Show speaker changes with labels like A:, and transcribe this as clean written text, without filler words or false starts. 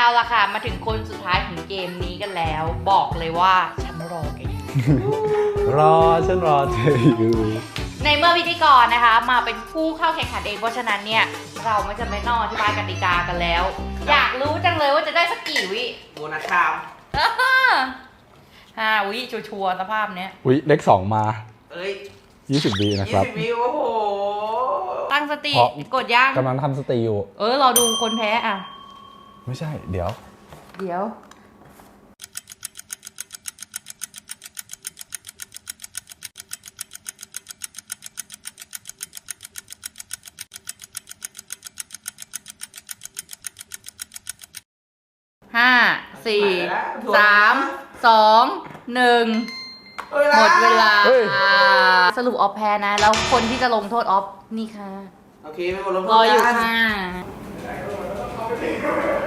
A: ล่ะค่ะมาถึงคนสุดท้ายของเกมนี้กันแล้ว บอกเลยว่าฉันรอแกอยู่
B: ฉันรอเธออยู่
A: ในเมื่อพิธีกรนะคะ มาเป็นผู้เข้าแข่งขันเองเพราะฉะนั้นเนี่ยเราไม่จำเป็นต้องอธิบายกติกากันแล้ว อยากรู้จังเลยว่าจะได้สักกี่วิ
C: โบนัสชาม
A: 5 วิชัวร์ๆสภาพเนี้ย
B: อุ๊ยเลข2มา
C: เอ้ย
B: 20 วินะครับ
C: 20 วิโอ้โห
A: ตั้งสติ
B: เพราะ
A: กดย่าง
B: กำลังทำสตรีอยู่
A: รอดูคนแพ้อ่ะ
B: ไม่ใช่ เดี๋ยว
A: เดี๋ยว5 4 3 2 1 หมดเวลา
B: เฮ้ย
A: สรุปออฟแพ้นะ แล้วคนที่จะลงโทษออฟนี่ค่ะ
C: โอเคไม่หมดลงโท
A: รอ
C: ษ
A: อยู่
C: กัน
A: ค่ะ